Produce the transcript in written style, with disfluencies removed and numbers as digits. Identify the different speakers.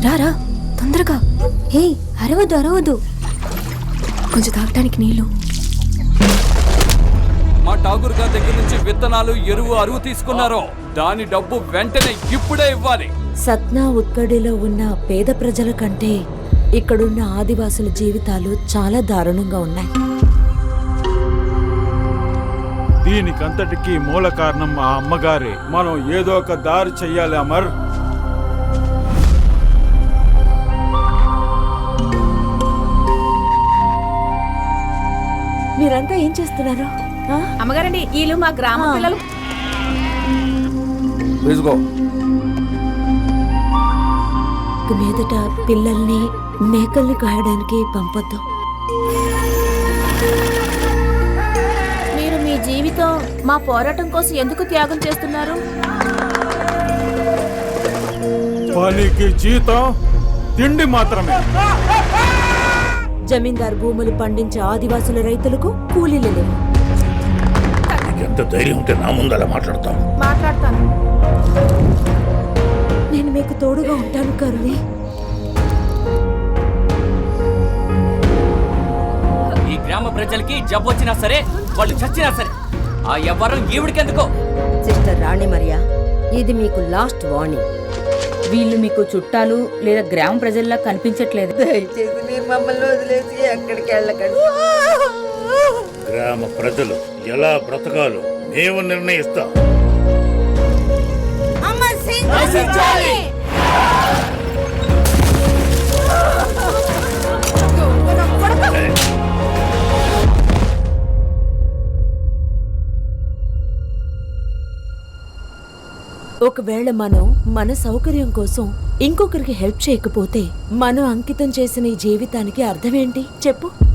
Speaker 1: రారా తొందరగా. హే అరవద్దు అరవద్దు, కొంచెం తాగటానికి నీళ్ళు.
Speaker 2: మా ఠాగూర్ గారి దగ్గర నుంచి విత్తనాలు ఎరువు అరువు తీసుకున్నారో దాని డబ్బు వెంటనే ఇప్పుడే ఇవ్వాలి.
Speaker 3: సత్నా ఉత్కడిలో ఉన్న పేద ప్రజల కంటే ఇక్కడున్న ఆదివాసుల జీవితాలు చాలా దారుణంగా ఉన్నాయి.
Speaker 4: దీనికంతటికీ మూల కారణం మా అమ్మగారే. మనం ఏదో ఒక దారి చెయ్యాలి అమర్.
Speaker 3: మీరంతా ఏం చేస్తున్నారు?
Speaker 5: అమ్మగారండి, వీళ్ళు మా గ్రామ పిల్లలు.
Speaker 3: మీదట పిల్లల్ని మేకల్ని కాయడానికి పంపొద్దు.
Speaker 5: మీరు మీ జీవితం మా పోరాటం కోసం ఎందుకు త్యాగం చేస్తున్నారు?
Speaker 4: పనికి జీతం తిండి మాత్రమే.
Speaker 3: జమీందార్ భూములు పండించే ఆదివాసుల రైతులకు కూలీలు లేవు.
Speaker 6: ఎంత ధైర్యం ఉంటే నా ముందు అలా
Speaker 5: మాట్లాడతాను.
Speaker 3: నేను మీకు తోడుగా ఉంటాను కరుణి.
Speaker 7: ఈ గ్రామ ప్రజలకి జబ్బు వచ్చినా సరే, వాళ్ళు చచ్చినా సరే, ఆ ఎవ్వరం ఈవిడికెందుకో.
Speaker 8: సిస్టర్ రాణి మరియా, ఇది మీకు లాస్ట్ వార్నింగ్.
Speaker 5: వీళ్ళు మీకు చుట్టాలు లేదా గ్రామ ప్రజల్లా కనిపించట్లేదు.
Speaker 8: దయచేసి మీరు మమ్మల్ని వదిలేసి ఎక్కడికి వెళ్ళకండి.
Speaker 6: గ్రామ ప్రజలు ఎలా బ్రతకాలో మేము నిర్ణయిస్తాం.
Speaker 3: ఒకవేళ మనం మన సౌకర్యం కోసం ఇంకొకరికి హెల్ప్ చేయకపోతే మనం అంకితం చేసిన ఈ జీవితానికి అర్థమేంటి చెప్పు?